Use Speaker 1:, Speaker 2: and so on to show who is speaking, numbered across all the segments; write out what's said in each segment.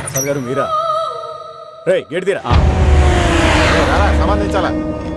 Speaker 1: ప్రసాద్ గారు మీరా? రే గేట్ తీరా.
Speaker 2: సంబంధించాలా?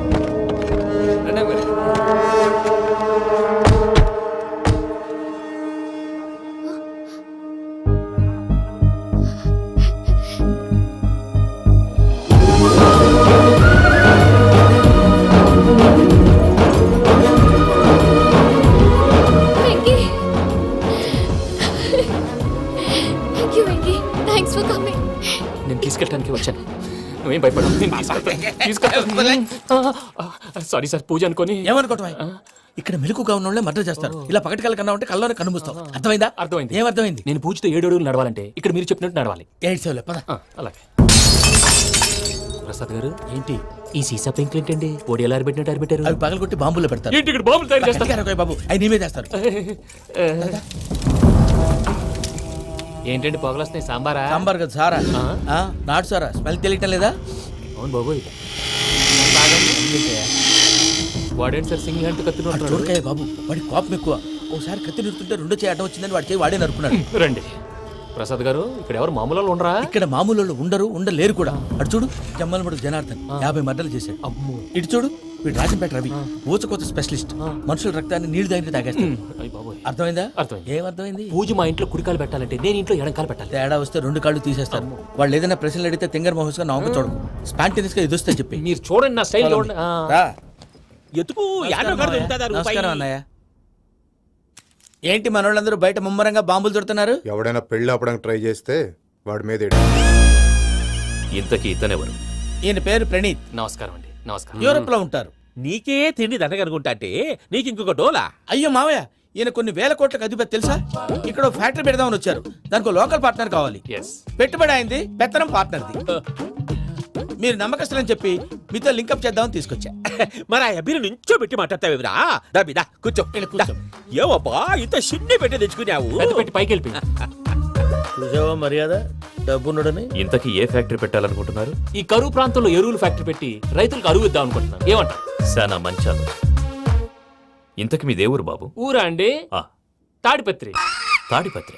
Speaker 3: నేను తీసుకెళ్ళడానికి వచ్చాను, నువ్వేం భయపడవు. సారీ సార్, పూజ అనుకోని.
Speaker 4: ఏమనుకోవటం? ఇక్కడ మెలకుగా ఉన్న వాళ్ళే మర్డర్ చేస్తారు. ఇలా పగటి కళ్ళ కన్నా ఉంటే కళ్ళలోనే కనుమూస్తావు. అర్థమైందా?
Speaker 3: అర్థమైంది.
Speaker 4: ఏమర్థమైంది?
Speaker 3: నేను పూజతో 7 అడుగులు నడవాలంటే ఇక్కడ మీరు చెప్పినట్టు నడవాలి.
Speaker 4: 8 సేవలే పద.
Speaker 3: అలాగే. ప్రసాద్ గారు,
Speaker 4: ఏంటి
Speaker 3: ఈ సీసా పెంకులు ఏంటండి? ఓడి ఎలా అరబెట్టినట్టు అరబెట్టారు?
Speaker 4: అవి పగలగొట్టి బాంబులో పెడతారు.
Speaker 3: ఏంటి ఇక్కడ బాంబులు తయారు చేస్తారు?
Speaker 4: బాబు అవి నీవే చేస్తారు.
Speaker 3: ఏంటండి పొగలు వస్తున్నాయి? సాంబారా?
Speaker 4: సాంబార్ కదా సారా. నాటు సారా. స్మెల్ తెలియటం లేదా?
Speaker 3: అవును బాబోయ్. వాడేంటి సార్ సింగిల్ హ్యాండ్ కత్తి
Speaker 4: చూడకాయ బాబు, వాడి కోపం ఎక్కువ. ఒకసారి కత్తి నిరుతుంటే 2 చేయి అడ్డం వచ్చిందని వాడి చేయి వాడే నరుకున్నాడు.
Speaker 3: రండి ప్రసాద్ గారు, ఇక్కడ ఎవరు మామూలు వాళ్ళు ఉండరా?
Speaker 4: ఇక్కడ మామూలు వాళ్ళు ఉండరు, ఉండలేరు కూడా. అటు చూడు, జమ్మలమడు జనార్దన్ 50 మర్డర్లు చేశాడు.
Speaker 3: అమ్మో.
Speaker 4: ఇటు చూడు, వీడు రాజంపేట రవి ఊచకోత స్పెషలిస్ట్. మనుషుల రక్తాన్ని నీళ్లు దగ్గర తాగేస్తాడు. అర్థమైందా? ఏమర్థమైంది?
Speaker 3: పూజ మా ఇంట్లో కుడికాలు పెట్టాలంటే నేను ఇంట్లో ఎడంకాలు పెట్టాలి.
Speaker 4: తేడా వస్తే 2 కాళ్ళు తీసేస్తారు. వాళ్ళు ఏదైనా ప్రశ్నలు అడిగితే తింగర్ మహోస్ గా నమ్మకం చూడకు. స్పాంటినియస్ గా ఎదుస్తా చెప్పి
Speaker 3: మీరు చూడండి, నా స్టైల్ చూడండి.
Speaker 4: నమస్కారం అన్నయ్య. ఏంటి మనోళ్ళందరూ బయట ముమ్మరంగా బాంబులు దొరుకుతున్నారు?
Speaker 2: ఎవడైనా పెళ్లి ఆపడానికి ట్రై చేస్తే వాడి మీద
Speaker 5: ఇంతకీ ఇతనెవరు?
Speaker 4: ఈయన పేరు ప్రణీత్.
Speaker 3: నమస్కారం అండి. నమస్కారం.
Speaker 4: యూరోప్ లో ఉంటారు.
Speaker 6: నీకే తిండి దండగనుకుంటా అంటే నీకు ఇంకొక డోలా?
Speaker 4: అయ్యో మావయ్య, ఈయన కొన్ని వేల కోట్లకు అధిపతి తెలుసా? ఇక్కడ ఫ్యాక్టరీ పెడదామని వచ్చారు. దానికి లోకల్ పార్ట్నర్ కావాలి. పెట్టుబడి అయింది, పెత్తనం పార్ట్నర్ది. మీరు నమ్మకస్తులని చెప్పి మీతో లింకప్ చేద్దామని తీసుకొచ్చా.
Speaker 6: మరి ఆ అబ్బిని నుంచో పెట్టి మాట్లాడతావేమిరా? దాబిదా కూర్చో. ఏవబ్బా ఇంత షిన్ని పెట్టి తెచ్చుకున్నావు?
Speaker 3: పెట్టి పైకి వెళ్ళిపోయి
Speaker 4: చూసావా మర్యాద డబ్బున్నడని.
Speaker 5: ఇంతకీ ఏ ఫ్యాక్టరీ పెట్టాలనుకుంటున్నారు?
Speaker 3: ఈ కరువు ప్రాంతంలో ఎరువులు ఫ్యాక్టరీ పెట్టి రైతులకు అరువు ఇద్దాం అనుకుంటున్నాను. ఏమంటారు?
Speaker 5: శానా మంచాలు. ఇంతకి మీ దేవురు బాబు?
Speaker 3: ఊరా అండి? తాడిపత్రి.
Speaker 5: తాడిపత్రి?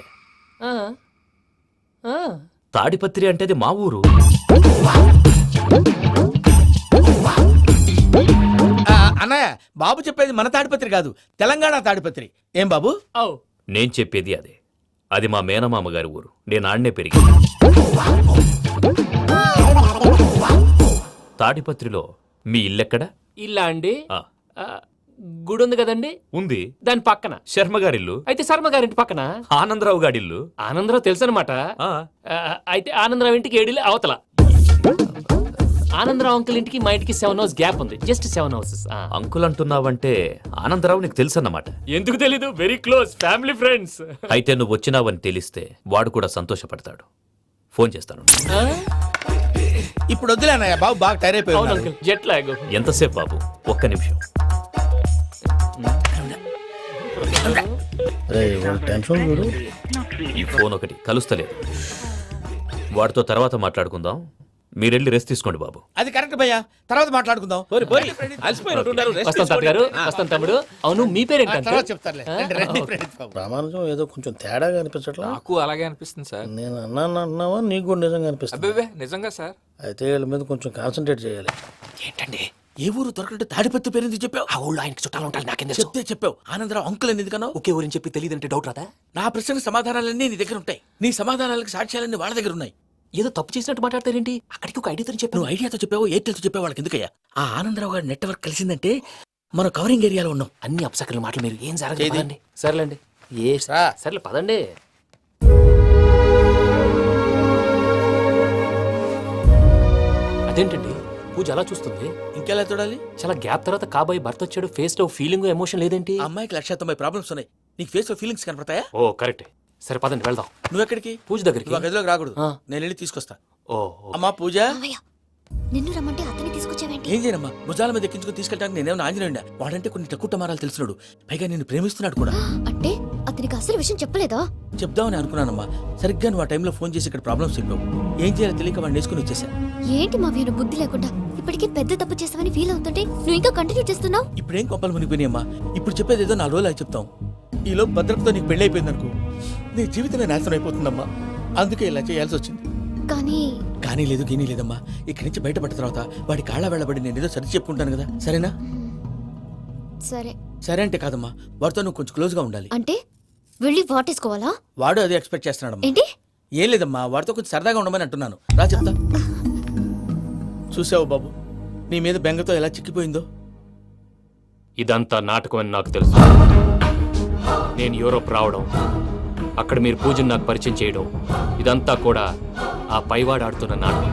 Speaker 5: తాడిపత్రి అంటే అది మా ఊరు.
Speaker 4: అన్నయ్య, బాబు చెప్పేది మన తాడిపత్రి కాదు, తెలంగాణ తాడిపత్రి. ఏం బాబు?
Speaker 5: నేను చెప్పేది అదే. అది మా మేనమామ గారి ఊరు. నేను ఆడనే పెరిగింది. తాడిపత్రిలో మీ ఇల్లెక్కడ?
Speaker 3: ఇల్లా అండి? గుడి ఉంది కదండి?
Speaker 5: ఉంది.
Speaker 3: దాని పక్కన
Speaker 5: శర్మ గారిల్లు.
Speaker 3: అయితే శర్మ గారింటి పక్కన
Speaker 5: ఆనందరావు గారిల్లు.
Speaker 3: ఆనందరావు తెలుసు అనమాట. అయితే ఆనందరావు ఇంటికి 7 అవతల. ఆనందరావు అంకుల్ ఇంటికి మా ఇంటికి 7 hours గ్యాప్ ఉంది. Just 7 hours.
Speaker 5: అంకుల్ అంటున్నావంటే ఆనందరావు నీకు తెలుసు అన్నమాట.
Speaker 3: ఎందుకు తెలీదు? Very close family friends.
Speaker 5: అయితే నువ్వు వచ్చినావని తెలిస్తే వాడు కూడా సంతోషపడతాడు. ఫోన్ చేస్తాను.
Speaker 4: ఇప్పుడు వద్దులే అన్నయ్య, బాబు బాగా టైర్ అయిపోయాడు.
Speaker 3: Jet lag.
Speaker 5: ఎంతసేపు బాబు? ఒక్క నిమిషం. ఈ ఫోన్ ఒకటి కలుస్తలేదు. వాడితో తర్వాత మాట్లాడుకుందాం. మీరెళ్ళి రెస్ట్ తీసుకోండి బాబు.
Speaker 4: అది కరెక్ట్ భయ్యా, తర్వాత మాట్లాడుకుందాం.
Speaker 3: వస్తాం తాత గారు, వస్తాం తమ్ముడు. అవును, మీ పేరేంటంటే?
Speaker 7: ప్రామాణికం ఏదో కొంచెం తేడాగా అనిపించట్లా?
Speaker 8: నాకు అలాగే అనిపిస్తుంది సార్.
Speaker 7: నేను అన్నావా నీకు కూడా నిజంగా అనిపిస్తుంది?
Speaker 8: అబ్బే నిజంగా సార్.
Speaker 7: అయితే వీళ్ళ మీద కొంచెం కాన్సన్ట్రేట్ చేయాలి.
Speaker 3: ఏంటండి
Speaker 4: ఏ ఊరు దొరకట్టు తాడిపత్రి పేరు ఎందుకు చెప్పావు?
Speaker 3: ఆ ఊళ్ళో ఆయనకి చుట్టాలు ఉంటారు. నాకేం
Speaker 4: చెప్తే చెప్పావు. ఆనందరావు అంకుల్ అని ఎందుకన్నావు?
Speaker 3: ఒకే ఊరిని చెప్పి తెలియదంటే డౌట్ రాదా?
Speaker 4: నా ప్రశ్నకు సమాధానాలన్నీ నీ దగ్గర ఉంటాయి. నీ సమాధానాలకు సాక్ష్యాలన్నీ వాళ్ళ దగ్గర ఉన్నాయి.
Speaker 3: ఏదో తప్పు చేసినట్టు మాట్లాడతారేంటి? అక్కడికి ఒక ఐడియాతో చెప్పావు.
Speaker 4: నువ్వు ఐడియాతో చెప్పావు, ఎయిర్టెల్తో చెప్పావు, వాళ్ళకి ఎందుకయ్యా? ఆ ఆనందరావు గారి నెట్వర్క్ కలిసిందంటే మనం కవరింగ్ ఏరియాలో ఉన్నాం.
Speaker 3: అన్ని అప్సకర్ల మాటలు మీరు ఏం జరగదండి. సర్లేండి. సర్లే పదండి. అదేంటండి పూజ అలా చూస్తుంది?
Speaker 4: ఇంకెలా చూడాలి?
Speaker 3: చాలా గ్యాప్ తర్వాత కాబోయే భర్త వచ్చాడు. ఫేస్ లో ఫీలింగ్ ఎమోషన్ లేదేంటి?
Speaker 4: అమ్మాయికి 190 ప్రాబ్లమ్స్ ఉన్నాయి. నీకు ఫేస్ లో ఫీలింగ్స్ కనపడతాయా?
Speaker 3: ఓ కరెక్ట్. సరే పదండి వెళ్దాం.
Speaker 4: నువ్వెక్కడికి?
Speaker 3: పూజ దగ్గరికి.
Speaker 4: నువ్వు గదిలోకి రాకూడదు, నేను వెళ్ళి తీసుకొస్తా.
Speaker 3: ఓ
Speaker 4: అమ్మా పూజ.
Speaker 9: నిన్ను రమ్మంటే అతన్ని తీసుకొచ్చావేంటి?
Speaker 4: ఏం చేయనమ్మా, భుజాల మీద ఎక్కించుకుని తీసుకెళ్ళడానికి నేనేమన్నా ఆంజనేయుడా? వాడంటే కొన్ని తక్కువ టమారాలు తెలిసినాడు, పైగా నేను ప్రేమిస్తున్నాడు కూడా.
Speaker 9: అంటే అతనికి అసలు విషయం చెప్పలేదా?
Speaker 4: చెప్దామని అనుకున్నానమ్మా. సరిగ్గా నువ్వు ఆ టైంలో ఫోన్ చేసి ఇక్కడ ప్రాబ్లమ్స్ చెప్పావు. ఏం చేయాలో తెలియక వాడిని వేసుకుని వచ్చేసా.
Speaker 9: ఏంటి మా వీరు బుద్ధి లేకుండా ఇప్పటికీ పెద్ద తప్పు చేసావని ఫీల్ అవుతుంటే నువ్వు ఇంకా కంటిన్యూ చేస్తున్నావు.
Speaker 4: ఇప్పుడేం కొంపలు మునిగిపోయినాయమ్మా. ఇప్పుడు చెప్పేది ఏదో 4 రోజులు చెప్తాం. ఈలో భద్రతతో నీకు పెళ్లి అయిపోయింది అనుకో, నీ జీవితమే నాశనం అయిపోతుందమ్మా. అందుకే ఇలా చేయాల్సి వచ్చింది.
Speaker 9: కానీ
Speaker 4: కానీ లేదు గీనీ లేదమ్మా. ఇక్కడి నుంచి బయటపడిన తర్వాత వాడి కాళ్ళ వెళ్ళబడి నేను ఏదో సరి చెప్పుకుంటాను కదా, సరేనా?
Speaker 9: సరే
Speaker 4: సరే అంటే కాదమ్మా, వాడితో నువ్వు కొంచెం క్లోజ్గా ఉండాలి.
Speaker 9: అంటే వెళ్ళి వాటేసుకోవాలా?
Speaker 4: వాడు అదే ఎక్స్పెక్ట్ చేస్తున్నాడమ్మా.
Speaker 9: ఏంటి?
Speaker 4: ఏం లేదమ్మా, వాడితో కొంచెం సరదాగా ఉండమని అంటున్నాను. రా చెప్తా. చూసావు బాబు, నీ మీద బెంగతో ఎలా చిక్కిపోయిందో.
Speaker 5: ఇదంతా నాటకం అని నాకు తెలుసు. నేను యూరోప్ రావడం, అక్కడ మీరు పూజను నాకు పరిచయం చేయడం, ఇదంతా కూడా ఆ పైవాడు ఆడుతున్న నాటకం.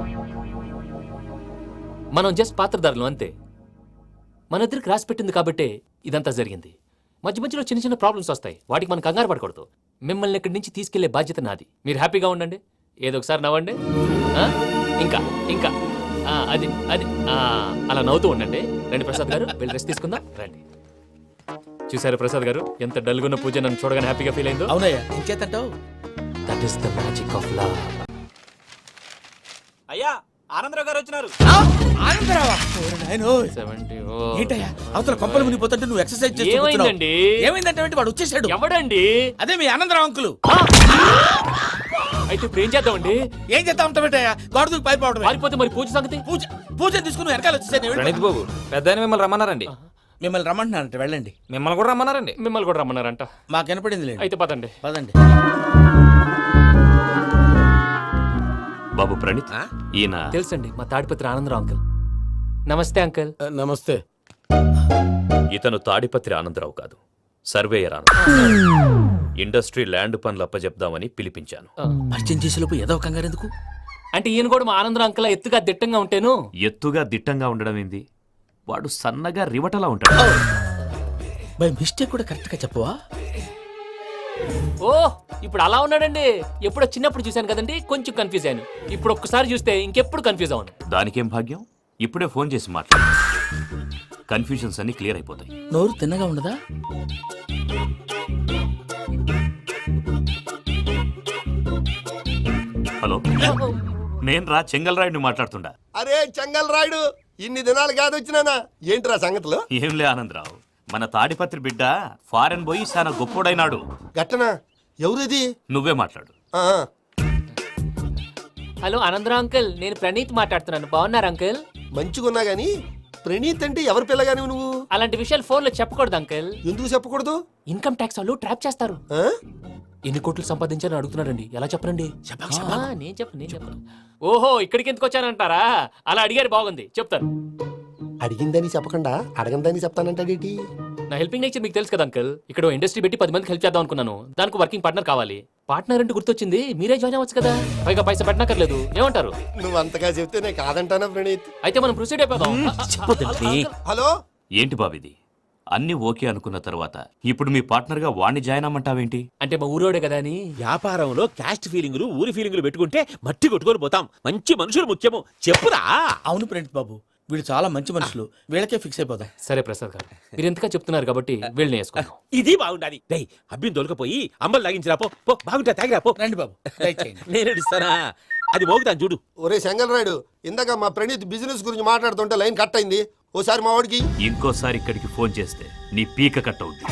Speaker 5: మనం జస్ట్ పాత్రధారులు అంతే. మన ఇద్దరికి రాసి పెట్టింది కాబట్టే ఇదంతా జరిగింది. మధ్య మధ్యలో చిన్న చిన్న ప్రాబ్లమ్స్ వస్తాయి, వాటికి మనం కంగారు పడకూడదు. మిమ్మల్ని ఇక్కడి నుంచి తీసుకెళ్లే బాధ్యత నాది. మీరు హ్యాపీగా ఉండండి, ఏదో ఒకసారి నవ్వండి. ఆ? ఇంకా ఇంకా అది అది అలా నవ్వుతూ ఉండండి. రండి ప్రసాద్ గారు, వెళ్ళి రెస్ట్ తీసుకుందాం. రండి. చూసారు ప్రసాద్ గారు, ఎంత డల్గున్న పూజ నన్ను చూడగానే హ్యాపీగా ఫీల్ అయిందో.
Speaker 4: అవునయ్యా, ఇంకేతంటావు?
Speaker 5: That is the magic of love.
Speaker 6: అయ్యా ఆనందరావు గారు వచ్చినారు.
Speaker 4: ఆనందరావా? ఏంటయ్యా అవతల కొంపలు మునిగిపోతుంటే నువ్వు ఎక్సర్సైజ్ చేస్తూ కూర్చున్నావు.
Speaker 5: ఏమైందండి?
Speaker 4: ఏమైందంటే వాడు వచ్చేసాడు.
Speaker 5: ఎవడండి?
Speaker 4: అదే మీ ఆనందరావు అంకులు.
Speaker 5: అయితే ఇప్పుడు ఏం చేద్దామండి?
Speaker 4: ఏం చేస్తా ఉంటావేటయ్యా, గొడవకు పైపోవడం.
Speaker 5: పారిపోతే మరి పూజ సంగతి?
Speaker 4: పూజ తీసుకుని వెనకాల వచ్చేసాను.
Speaker 8: ప్రణీత్ బాబు, పెద్ద మిమ్మల్ని రమ్మన్నారండి.
Speaker 4: మిమ్మల్ని రమ్మంటున్నారంట, వెళ్ళండి.
Speaker 8: మిమ్మల్ని కూడా రమ్మన్నారండి.
Speaker 5: మిమ్మల్ని కూడా రమ్మన్నారంట.
Speaker 4: మాకు వినపడింది లేదు.
Speaker 5: అయితే పదండి.
Speaker 4: పదండి.
Speaker 5: బాబు ప్రణీత్, ఈయన తెలుసండి, మా తాడిపత్రి ఆనందరావు అంకుల్. నమస్తే అంకుల్.
Speaker 7: నమస్తే.
Speaker 5: ఇతను తాడిపత్రి ఆనందరావు కాదు, సర్వేయర్ ఆనందరావు. ఇండస్ట్రీ ల్యాండ్ పనులు అప్పచెప్దామని పిలిపించాను.
Speaker 4: పరిచయం చేసేలోపు ఏదో కంగారు ఎందుకు?
Speaker 5: అంటే ఈయన కూడా మా ఆనందరావు అంకుల్ ఎత్తుగా దిట్టంగా ఉంటాను. ఎత్తుగా దిట్టంగా ఉండడం ఏంది? వాడు సన్నగా రివటలా ఉంటాడు.
Speaker 4: బై మిస్టేక్ కూడా కరెక్ట్ గా చెప్పవా?
Speaker 5: ఓ, ఇప్పుడు అలా ఉన్నాడండి. ఎప్పుడో చిన్నప్పుడు చూశాను కదండి, కొంచెం కన్ఫ్యూజ్ అయ్యాను. ఇప్పుడు ఒక్కసారి చూస్తే ఇంకెప్పుడు కన్ఫ్యూజ్ అవ్వను. దానికేం భాగ్యం, ఇప్పుడే ఫోన్ చేసి మాట్లాడు. కన్ఫ్యూజన్స్ అన్ని క్లియర్ అయిపోతాయి.
Speaker 4: నోరు తిన్నగా ఉండదా?
Speaker 5: హలో, నేను రా చెంగల్రాయుడిని మాట్లాడుతుండా.
Speaker 10: అరే చెంగల్ రాయుడు, ఇన్ని దినాలు కాదు వచ్చినానా? ఏంట్రా సంగతులు?
Speaker 5: ఏంలే ఆనందరావు, మన తాడిపత్రి బిడ్డ ఫారెన్ పోయి చాలా గొప్పోడైనాడు.
Speaker 10: గట్టనా? ఎవరిది?
Speaker 5: నువ్వే మాట్లాడు. హలో ఆనందరావు అంకుల్, నేను ప్రణీత్ మాట్లాడుతున్నాను. బాగున్నారు అంకుల్?
Speaker 10: మంచిగున్నా గాని ప్రణీత్ అంటే ఎవరి పిల్లగాని నువ్వు?
Speaker 5: అలాంటి విషయాలు ఫోన్లో చెప్పకూడదు అంకుల్.
Speaker 10: ఎందుకు చెప్పకూడదు?
Speaker 5: ఇన్కమ్ ట్యాక్స్ వాళ్ళు ట్రాప్ చేస్తారు. ఎన్ని కోట్లు సంపాదించాలని అడుగుతున్నారండి, ఎలా చెప్పరండి? నేను చెప్పను. ఓహో, ఇక్కడికి ఎందుకు వచ్చానంటారా? అలా అడిగారు, బాగుంది, చెప్తాను.
Speaker 10: అడిగిందని చెప్పకుండా అడగందని చెప్తానంటాడేటి?
Speaker 5: నా హెల్పింగ్ నేచర్ మీకు తెలుసు కదా అంకుల్. ఇక్కడ ఇండస్ట్రీ పెట్టి 10 మందికి హెల్ప్ చేద్దాం అనుకున్నాను. దానికి వర్కింగ్ పార్ట్నర్ కావాలి. పార్ట్నర్ అంటే గుర్తొచ్చింది, మీరే జాయిన్ అవ్వచ్చు కదా, పైగా పైసా పెట్టనక్కర్లేదు. ఏమంటారు?
Speaker 10: నువ్వు అంతగా చెప్తే నేను కాదంటానా ప్రణీత్?
Speaker 5: అయితే మనం ప్రొసీడ్ అయిపోదాం.
Speaker 10: హలో,
Speaker 5: ఏంటి బాబిది? అన్ని ఓకే అనుకున్న తర్వాత ఇప్పుడు మీ పార్ట్నర్ గా వాణ్ణి జాయిన్ అమ్మంటావేంటి? అంటే మా ఊరోడే కదా అని.
Speaker 6: వ్యాపారంలో క్యాస్ట్ ఫీలింగులు, ఊరి ఫీలింగులు పెట్టుకుంటే మట్టి కొట్టుకొని పోతాం. మంచి మనుషులు ముఖ్యము. చెప్పురా.
Speaker 4: అవును ప్రణీత్ బాబు, వీళ్ళు చాలా మంచి మనుషులు, వీళ్ళకే ఫిక్స్ అయిపోదాం.
Speaker 5: సరే ప్రసాద్ గారు, మీరు ఎంతగా చెప్తున్నారు కాబట్టి వీళ్ళని వేసుకుందాం.
Speaker 6: ఇది బాగుండాలి. డై అబ్బిని దొలకపోయి అమ్మలు లాగించిరా పో. పో, బాగుంటా తాగిరా పో.
Speaker 4: రండి బాబు, దయచేయండి.
Speaker 6: నేను ఇస్తానా? అది మోగుతాను చూడు.
Speaker 10: ఒరే చెంగల్ రాయుడు, ఇందాక మా ప్రణీత్ బిజినెస్ గురించి మాట్లాడుతుంటే లైన్ కట్ అయింది. ఓసారి మా వాడికి.
Speaker 5: ఇంకోసారి ఇక్కడికి ఫోన్ చేస్తే నీ పీక కట్ అవుద్ది.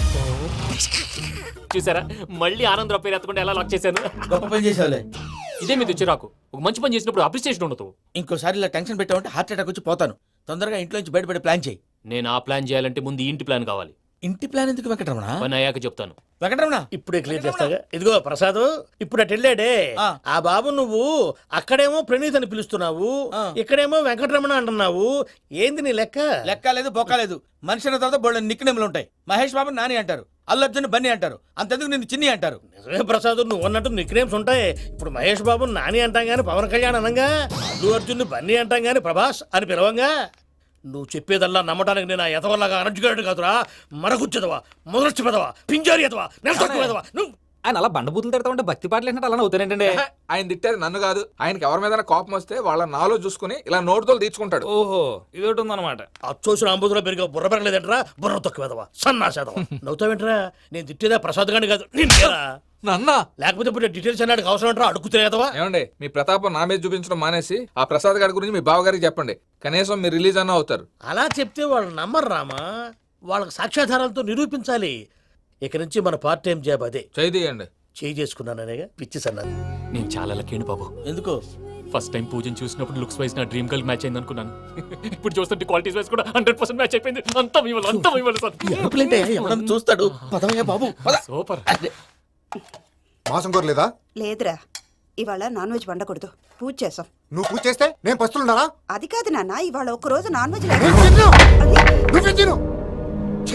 Speaker 5: చూసారా, మళ్ళీ ఆనందరావు పేరు ఎత్తకుండా ఎలా లాక్ చేశాను.
Speaker 4: గొప్ప పని చేసావులే.
Speaker 5: ఇదే మీద చిరాకు. ఒక మంచి పని చేసినప్పుడు అప్రిసియేషన్ ఉండదు.
Speaker 4: ఇంకోసారి ఇలా టెన్షన్ పెట్టామంటే హార్ట్ అటాక్ వచ్చి పోతాను. తొందరగా ఇంట్లో నుంచి బయటపడే ప్లాన్ చేయి.
Speaker 5: నేను ఆ ప్లాన్ చేయాలంటే ముందు ఈ ఇంటి ప్లాన్ కావాలి.
Speaker 4: ఇంటి ప్లాన్ ఎందుకు వెంకటరమణ?
Speaker 5: పని అయ్యాక చెప్తాను.
Speaker 4: వెంకటరమణ
Speaker 7: ఇప్పుడే క్లియర్ చేస్తాగా. ఇదిగో ప్రసాద్, ఇప్పుడు అటు వెళ్ళాడే ఆ బాబు, నువ్వు అక్కడేమో ప్రణీత్ అని పిలుస్తున్నావు, ఇక్కడేమో వెంకటరమణ అంటున్నావు. ఏంది నీ లెక్క?
Speaker 4: లెక్క లేదు, బొక్క లేదు. మనిషి అన్న తర్వాత బోళ్ళ నిక్నెములు ఉంటాయి. మహేష్ బాబు నాని అంటారు, అల్లు అర్జున్ బన్నీ అంటారు, అంతెందుకు నిన్ను చిన్ని అంటారు.
Speaker 7: నిజమే ప్రసాద్, నువ్వు అన్నట్టు నిక్నేమ్స్ ఉంటాయి. ఇప్పుడు మహేష్ బాబు నాని అంటాం గాని పవన్ కళ్యాణ్ అనంగా, అల్లు అర్జున్ బన్నీ అంటాం గాని ప్రభాస్ అని పిలవంగా. నువ్వు చెప్పేదల్లా నమ్మటానికి నేను ఎతవల్లాగా అనర్జుగాడు కాదురా. మరగుచ్చదవా, మొదలచ్చి పెదవా, పింజారి ఎదవా, నెలసొక్కుదవా నువ్వు.
Speaker 8: ఆయన అలా బండబూతులు తిడతా ఉంటే భక్తి పాటలు ఏంటంటే అలా అవుతానంటే.
Speaker 11: ఆయన తిట్టేది నన్ను కాదు, ఆయనకి ఎవరి మీద కోపం వస్తే వాళ్ళ నాలో చూసుకుని ఇలా నోటుతో తీర్చుకుంటాడు.
Speaker 8: ఓహో, ఇది ఒకటి ఉందన్నమాట.
Speaker 7: అచ్చోసిన అంబుధులో పెరిగే బుర్ర పెరగలేదంటరా, బుర్ర తొక్కువేదవా, సన్నాసేదవా. నవ్వుతావేంట్రా? నేను తిట్టేదా ప్రసాద్ గాని కాదు, నిన్నేరా.
Speaker 11: నన్నా?
Speaker 7: లేకపోతే ఇప్పుడు డీటెయిల్స్ అన్నాడు అవసరం అంటారా? అడుగుతులేదవా.
Speaker 11: ఏమండి, మీ ప్రతాపం నా మీద చూపించడం మానేసి ఆ ప్రసాద్ గారి గురించి మీ బావగారికి చెప్పండి. కనీసం మీరు రిలీజ్ అన్న అవుతారు.
Speaker 7: అలా చెప్తే వాళ్ళు నమ్మరు రామా, వాళ్ళకి సాక్ష్యాధారాలతో నిరూపించాలి. ఇక నుంచి మన పార్ట్ టైం జాబ్ అదే.
Speaker 11: చేయండి.
Speaker 7: చేయి చేసుకున్నాననేగా పిచ్చి సన్నాను.
Speaker 5: నేను చాలా లక్కీ బాబు.
Speaker 7: ఎందుకో
Speaker 5: ఫస్ట్ టైం పూజను చూసినప్పుడు లుక్స్ వైజ్ నా డ్రీమ్ గర్ల్ మ్యాచ్ అయింది అనుకున్నాను. ఇప్పుడు చూస్తుంటే క్వాలిటీస్ వైజ్ కూడా 100% మ్యాచ్ అయిపోయింది. అంతా మీ వల్ల సార్.
Speaker 7: ఎప్పుడంటే ఎవడన్నా చూస్తాడు. పదవయ్యా బాబు పద.
Speaker 5: సూపర్.
Speaker 2: మాసం కోరలేదా?
Speaker 12: లేదురా, ఇవాళ నాన్ వెజ్ వండకూడదు, పూజ చేసాం.
Speaker 2: నువ్వు పూజ చేస్తే నేను పస్తులున్నారా?
Speaker 12: అది కాదు నాన్న, ఇవాళ ఒక్కరోజు నాన్ వెజ్
Speaker 2: నేను తిన్ను. నువ్వే తిను. ఛీ!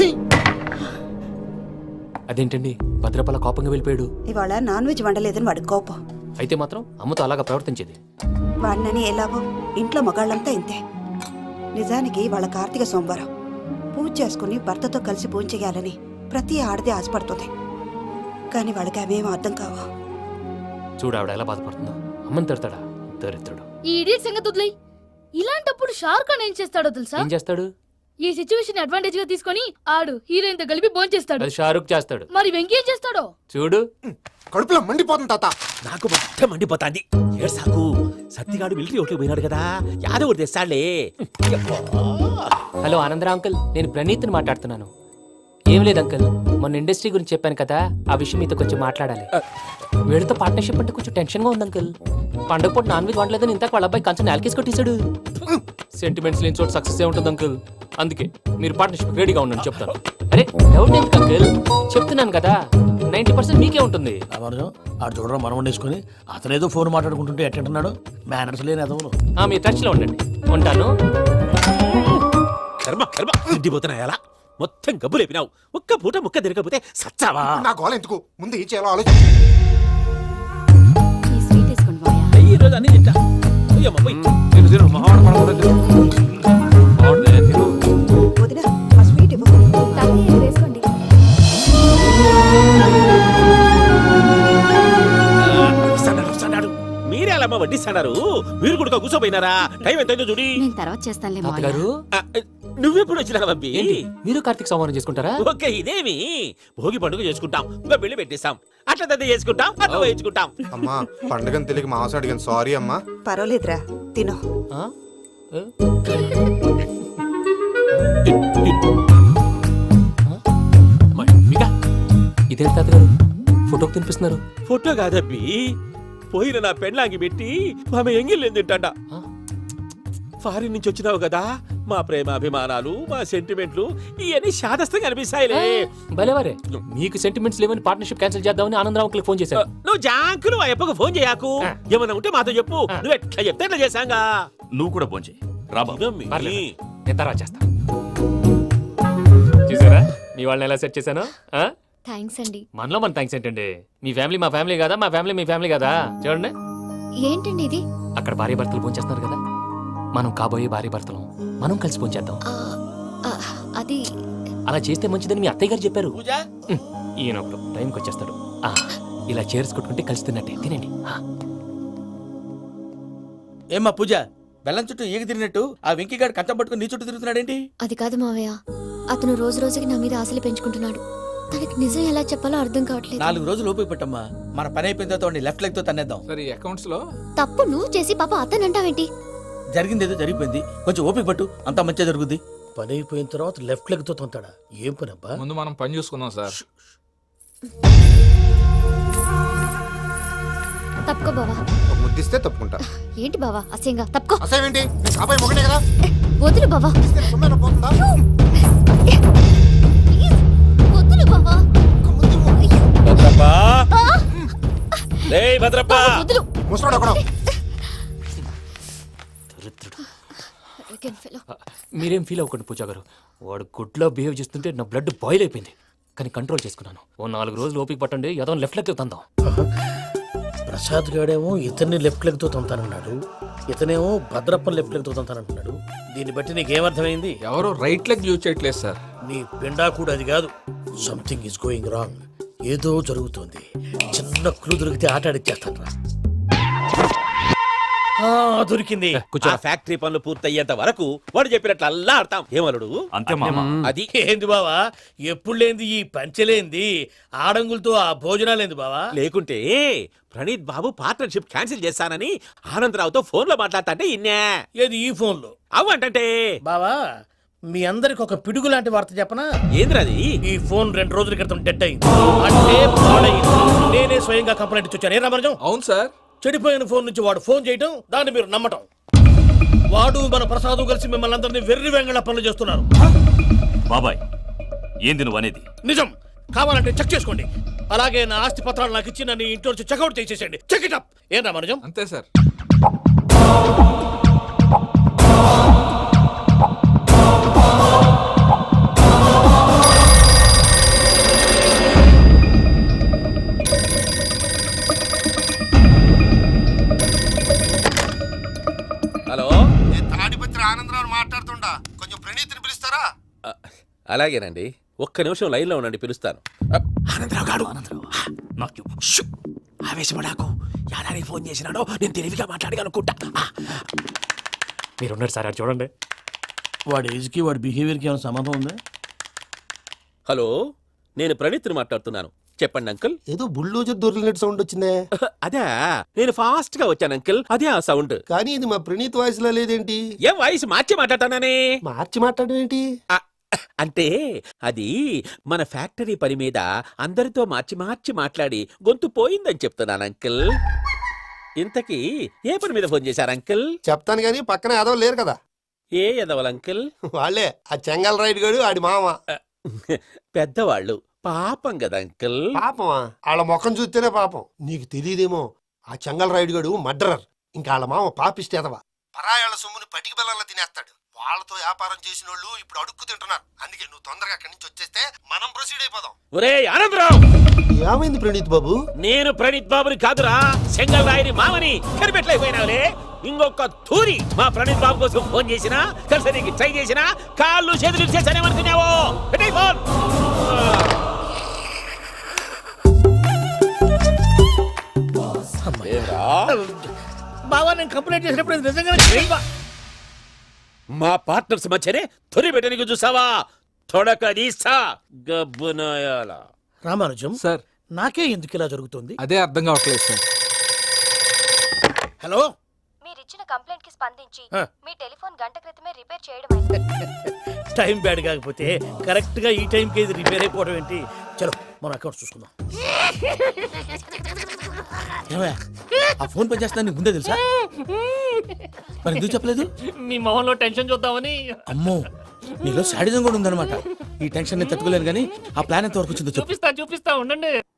Speaker 5: అదేంటండి భద్రపల కోపంగా వెళ్ళిపోయాడు?
Speaker 12: ఇవాళ నాన్ వెజ్ వండలేదని వాడి కోపం.
Speaker 5: అయితే మాత్రం అమ్మతో అలాగా ప్రవర్తించేది.
Speaker 12: వాడినని ఎలాగో ఇంట్లో మగాళ్ళంతా ఇంతే. నిజానికి వాళ్ళ కార్తీక సోమవారం పూజ చేసుకుని భర్తతో కలిసి పూజ చేయాలని ప్రతి ఆడది ఆశపడుతుంది. కానీ వాళ్ళకి అవేం అర్థం కావు.
Speaker 5: చూడు ఆవిడ ఎలా బాధపడుతుందో. అమ్మని తిడతాడా దరిద్రుడు.
Speaker 9: ఈ ఇడియట్ సంగతి వదిలేయ్. ఇలాంటప్పుడు షారుఖ్ ఖాన్ ఏం చేస్తాడో తెలుసా?
Speaker 5: ఏం చేస్తాడు?
Speaker 9: ఈ సిచ్యువేషన్ అడ్వాంటేజ్ గా తీసుకొని ఆడు హీరోయిన్ తో కలిపి బోన్ చేస్తాడు.
Speaker 5: అది షారుఖ్ చేస్తాడు.
Speaker 9: మరి వెంకీ ఏం చేస్తాడో
Speaker 5: చూడు.
Speaker 2: కడుపులో మండిపోతుంది తాత.
Speaker 6: నాకు మొత్తం మండిపోతాంది. ఏడు సాకు సత్తిగాడు మిలిటరీ ఒకటి పోయినాడు కదా, యాదవ్ ఒకటి తెస్తాడులే.
Speaker 5: హలో ఆనందరా అంకుల్, నేను ప్రణీత్ని మాట్లాడుతున్నాను. ఏం లేదు అంకుల్, మొన్న ఇండస్ట్రీ గురించి చెప్పాను కదా, ఆ విషయం మీతో కొంచెం మాట్లాడాలి. వీడితో పార్ట్నర్షిప్ అంటే కొంచెం టెన్షన్ గా ఉంది అంకుల్. పండగ పూట నాన్ వెజ్ వండలేదని ఇంతకు వాళ్ళ అబ్బాయి కంచెం నేలకేసి కొట్టేశాడు. సెంటిమెంట్స్ లేని చోట సక్సెస్ ఏ ఉంటుంది అంకుల్. అందుకే మీరు పార్ట్నర్షిప్ రెడీగా ఉండండి చెప్తాను. అరే డౌట్ ఎందుకు అంకుల్, చెప్తున్నాను కదా 90% మీకే ఉంటుంది.
Speaker 7: రామానుజం ఆడు చూడడం మనం వండేసుకొని అతనేదో ఫోన్ మాట్లాడుకుంటుంటే ఎట్టంటున్నాడు. మేనర్స్ లేని అదవును.
Speaker 5: మీ టచ్ లో ఉండండి. ఉంటాను.
Speaker 6: కర్మ కర్మ తిండిపోతున్నా ఎలా మొత్తం గబ్బు లేపినావు. ఒక్క పూట ముక్క తిరగకపోతే సచ్చావా?
Speaker 2: నా గోల ఎందుకు, ముందు ఏం చేయాలో ఆలోచించు.
Speaker 9: ఈ స్వీట్ వేసుకోండి మావయ్య.
Speaker 6: ఈ రోజు అన్ని తింటా. అయ్యమ్మ, పోయ్.
Speaker 12: వదిన, ఆ స్వీట్ ఇవ్వు.
Speaker 9: తాతయ్య వేసుకోండి.
Speaker 6: వస్తాడు. మీరే అలా అమ్మ వడ్డిస్తాడారు. మీరు కూడా కూర్చోపోయినారా? టైం ఎంతైందో చూడి.
Speaker 9: నేను తర్వాత చేస్తానులే మావయ్య.
Speaker 5: తాతగారు
Speaker 6: ఆ, నువ్వెప్పుడు వచ్చినా బంబి?
Speaker 5: ఏంటి మీరు కార్తీక్ సంహారం చేసుకుంటారా?
Speaker 6: ఓకే, ఇదేమి భోగి పండుగ చేసుకుంటాం, ఇంకా పెళ్లి పెట్టేస్తాం, అట్లా దద్ద చేసుకుంటాం, అట్లా వేయించుకుంటాం.
Speaker 2: అమ్మా పండుగని తెలియక మాసం అడిగాను, సారీ అమ్మా.
Speaker 12: పర్వాలేదురా, తిను.
Speaker 5: ఆ? ఏ?
Speaker 6: మమ్మిగా,
Speaker 5: ఇదేంటి తాతగారు ఫోటోకి తినిపిస్తున్నారు?
Speaker 6: ఫోటో కాదబ్బి, పోయిన నా పెళ్ళాంగి పెట్టి ఆమె ఎంగిల్లేం తింటాడ.
Speaker 5: ఆ?
Speaker 6: ఫారిన్ నుంచి వచ్చినావు కదా, మా ప్రేమ అభిమానాలు, మా సెంటిమెంట్లు ఇవన్నీ శాదస్తంగా అనిపిస్తాయిలే.
Speaker 5: భలేవారే, మీకు సెంటిమెంట్స్ లేవని పార్ట్నర్షిప్ క్యాన్సిల్ చేద్దామని ఆనందరావు అంకుల్కి ఫోన్ చేశారు.
Speaker 6: నువ్వు జాంకులు ఆ అప్పకు ఫోన్ చేయకు. ఏమన్నా ఉంటే మాతో చెప్పు. నువ్వు ఎట్లా చెప్తే ఎట్లా చేశాంగా.
Speaker 8: నువ్వు కూడా ఫోన్ చేయి.
Speaker 6: ఇదమ్మి.
Speaker 5: పర్లేదు, నేను తర్వాత చేస్తా. చూసారా మీ వాళ్ళని ఎలా సెట్ చేశాను?
Speaker 9: థ్యాంక్స్ అండి.
Speaker 5: మనలో మన థ్యాంక్స్ ఏంటండి? మీ ఫ్యామిలీ మా ఫ్యామిలీ కదా, మా ఫ్యామిలీ మీ ఫ్యామిలీ కదా. చూడండి,
Speaker 9: ఏంటండి ఇది?
Speaker 5: అక్కడ భార్య భర్తలు ఫోన్ చేస్తున్నారు కదా, మనం కాబోయే భార్య భర్తలు మనం కలిసి ఫోన్ చేద్దాం.
Speaker 9: ఆ, అది
Speaker 5: అలా చేస్తే మంచిదని మీ అత్తయ్య గారు చెప్పారు.
Speaker 4: పూజ
Speaker 5: ఈయన ఒకడు టైంకి వచ్చేస్తాడు. ఇలా చేర్స్ కొట్టుకుంటే కలిసి తిన్నట్టే. తినండి.
Speaker 4: ఏమ్మా పూజ, బెల్లం చుట్టూ ఈగ తిరిగినట్టు ఆ వెంకీగాడు కంచం పట్టుకుని నీ చుట్టూ తిరుగుతున్నాడేంటి?
Speaker 9: అది కాదు మావయ్య, అతను రోజు రోజుకి నా మీద ఆశలు పెంచుకుంటున్నాడు. తనకి నిజం ఎలా చెప్పాలో అర్థం కావట్లేదు.
Speaker 4: 4 రోజులు ఓపిక పట్టమ్మా, మన పని అయిపోయిన తర్వాత లెఫ్ట్ లెగ్ తో తన్నేద్దాం.
Speaker 11: సరే అకౌంట్స్ లో
Speaker 9: తప్పు నువ్వు చేసి పాప అతను అంటావేంటి?
Speaker 4: జరిగింది ఏదో జరిగిపోయింది, కొంచెం ఓపిక పట్టు, అంతా మంచిగా జరుగుద్ది.
Speaker 7: పని అయిపోయిన తర్వాత లెఫ్ట్ లెగ్ తో తొంతాడా? ఏం పని అబ్బా?
Speaker 11: ముందు మనం పని చూసుకుందాం సార్.
Speaker 9: తప్పుకో బావా.
Speaker 2: ఒక ముద్దిస్తే తప్పుకుంటా.
Speaker 9: ఏంటి బావా అసహ్యంగా? తప్పుకో.
Speaker 2: అసేమేంటి, నీ కాబోయే మొగనే కదా.
Speaker 9: వదులు బావా.
Speaker 2: ఇస్తే సొమ్మేనా పోతుందా?
Speaker 9: ప్లీజ్, వదులు బావా.
Speaker 6: భద్రప్పా, రేయ్ భద్రప్పా.
Speaker 9: వదులు.
Speaker 2: ముసరాడు అక్కడ.
Speaker 5: దరిద్రుడు.
Speaker 9: Arrogant fellow.
Speaker 5: మీరేం ఫీల్ అవ్వకండి పూజా గారు. వాడు గుడ్లో బిహేవ్ చేస్తుంటే నా బ్లడ్ బాయిల్ అయిపోయింది, కానీ కంట్రోల్ చేసుకున్నాను. ఓ 4 రోజులు ఓపిక పట్టండి, ఏదో లెఫ్ట్ లెగ్ తందాం.
Speaker 7: ప్రసాద్ గాడేమో ఇతన్ని లెఫ్ట్ లెగ్ తో తొంతానన్నాడు, ఇతనేమో భద్రప్ప లెఫ్ట్ లెగ్ తో తొంతానంటున్నాడు. దీన్ని బట్టి నీకేమర్థమైంది?
Speaker 11: ఎవరు రైట్ లెగ్ యూజ్ చేయట్లేదు సార్.
Speaker 7: నీ పిండా కూడా అది కాదు. Something is going wrong. ఏదో జరుగుతోంది. చిన్న క్లూ దొరికితే ఆట ఆడిచ్చేస్తాను రా. దొరికింది.
Speaker 6: ఆ ఫ్యాక్టరీ పనులు పూర్తయ్యేంత వరకు వాడు చెప్పినట్లు అల్లా ఆడతాం. ఏమలుడు
Speaker 8: అంతే మామ.
Speaker 6: అది
Speaker 7: ఏంది బావా, ఎప్పుడు లేంది ఈ పంచలేంది, ఆడంగులతో ఆ భోజనాలేంది బావా?
Speaker 6: లేకుంటే ప్రణీత్ బాబు పార్ట్నర్షిప్ క్యాన్సిల్ చేస్తానని ఆనందరావుతో ఫోన్ లో మాట్లాడతాంటే ఇన్నే.
Speaker 7: ఏది ఈ ఫోన్లో?
Speaker 6: అవ్వంటే
Speaker 7: బావా, మీ అందరికి ఒక పిడుగు లాంటి వార్త చెప్పనా?
Speaker 6: ఏంద్రది?
Speaker 7: ఈ ఫోన్ 2 రోజుల క్రితం డెడ్ అయింది, అంటే పాడైంది. నేనే స్వయంగా కంప్లైంట్ ఇచ్చి వచ్చాను. ఏ రామరాజం?
Speaker 11: అవును సార్.
Speaker 7: చెడిపోయిన ఫోన్ నుంచి వాడు ఫోన్ చేయటం, దాన్ని మీరు నమ్మటం. వాడు మన ప్రసాదు కలిసి మిమ్మల్ని అందరినీ వెర్రి వెంగళ పనులు చేస్తున్నారు.
Speaker 1: బాబాయ్ ఏంది నువ్వు అనేది?
Speaker 7: నిజం. కావాలంటే చెక్ చేసుకోండి. అలాగే నా ఆస్తి పత్రాలు నాకు ఇచ్చి నన్ను ఇంట్లో నుంచి చెక్అౌట్ చేసేసండి. Check it up. ఏం రామరాజం?
Speaker 11: అంతే సార్.
Speaker 6: హలో,
Speaker 10: నేను తాడిపత్రి ఆనందరావు మాట్లాడుతుండా, కొంచెం ప్రణీతిని పిలుస్తారా?
Speaker 6: అలాగేనండి. ఒక్క నిమిషం లైన్ లో ఉండండి, పిలుస్తాను.
Speaker 7: ఆనందరావు గాడు నాకు ఆవేశపడాకు. యాదానికి ఫోన్ చేసినాడో నేను తెలివిగా మాట్లాడగలనుకుంటా.
Speaker 3: మీరున్నారు సార్, అది చూడండి.
Speaker 7: వాడి ఏజ్కి వాడి బిహేవియర్కి ఏమైనా సంబంధం ఉందా?
Speaker 6: హలో, నేను ప్రణీత్ని మాట్లాడుతున్నాను. చెప్పండి అంకుల్.
Speaker 10: ఏదో బుల్డోజర్ దొరికినట్టు సౌండ్ వచ్చిందే.
Speaker 6: అదే, నేను ఫాస్ట్ గా వచ్చాను అంకుల్. అదే ఆ సౌండ్.
Speaker 10: కానీ ఇది మా ప్రణీత్ వాయిస్ లో లేదేంటి?
Speaker 6: ఏం వాయిస్ మార్చి మాట్లాడతానని?
Speaker 10: మార్చి మాట్లాడడం ఏంటి?
Speaker 6: అంటే అది మన ఫ్యాక్టరీ పని మీద అందరితో మార్చి మార్చి మాట్లాడి గొంతు పోయిందని చెప్తున్నాను అంకుల్. ఇంతకీ ఏ పని మీద ఫోన్ చేశారు అంకుల్?
Speaker 10: చెప్తాను కానీ పక్కన ఏదో లేరు కదా.
Speaker 6: ఏ ఎదవల్ అంకుల్?
Speaker 10: వాళ్ళే ఆ చెంగల్ రైడ్ గడు ఆడి మామ.
Speaker 6: పెద్దవాళ్ళు, పాపం కదా అంకుల్.
Speaker 10: పాపమా? వాళ్ళ ముఖం చూస్తేనే పాపం. నీకు తెలియదేమో, ఆ చెంగల్ రైడ్ గడు మర్డరర్. ఇంకా వాళ్ళ మామ పాపిస్తేదవా. పరాయాళ్ళ సొమ్ముని పటికి బెల్లంలో తినేస్తాడు. వాళ్ళతో వ్యాపారం చేసిన వాళ్ళు ఇప్పుడు అడుక్కు తింటున్నారు. అందుకే నువ్వు తొందరగా అక్కడి నుంచి వచ్చేస్తే మనం ప్రొసీడ్ అయిపోదాం.
Speaker 6: ఒరే ఆనందరావు!
Speaker 10: ఏమైంది ప్రణీత్ బాబు?
Speaker 6: నేను ప్రణీత్ బాబుని కాదురా, సెంగల్ రాయని మామని. కనిపెట్టలేకపోయినావులే. ఇంకొక తూరి మా ప్రణీత్ బాబు కోసం ఫోన్ చేసినా, కలిసి నీకు ట్రై చేసినా, కాళ్ళు చేతులు చేశానేమనుకున్నావో. పెట్టేయ్ ఫోన్.
Speaker 7: బావా, నేను కంప్లైంట్ చేసినప్పుడు ఇది నిజంగానే
Speaker 6: మా పార్ట్నర్స్ మధ్యనే తొలి పెట్టడానికి చూసావా? తొడక తీసా గబ్బునాయాల.
Speaker 7: రామానుజం
Speaker 11: సార్.
Speaker 7: నాకే ఎందుకు ఇలా జరుగుతుంది?
Speaker 11: అదే అర్థం కావట్లేదు సార్.
Speaker 7: హలో,
Speaker 9: మీరిచ్చిన కంప్లైంట్ కి స్పందించి
Speaker 7: ఆ.
Speaker 9: మీ టెలిఫోన్ గంట క్రితమే రిపేర్ చేయడం
Speaker 7: టైం బ్యాడ్ కాకపోతే కరెక్ట్ గా ఈ టైంకి ఇది రిపేర్ అయిపోవడం ఏంటి? చలో మన అకౌంట్ చూసుకుందాం. ఏమయ్యా, ఆ ఫోన్ పని చేస్తున్నా నీకు ముందే తెలుసా? మరి ఎందుకు చెప్పలేదు?
Speaker 5: మీ మొహంలో టెన్షన్ చూద్దామని.
Speaker 7: అమ్మో, నీలో శాడిజం కూడా ఉందన్నమాట. ఈ టెన్షన్ నేను తట్టుకోలేను కానీ ఆ ప్లాన్ ఎంత వరకు వచ్చిందో చెప్పు.
Speaker 5: చూపిస్తా ఉండండి.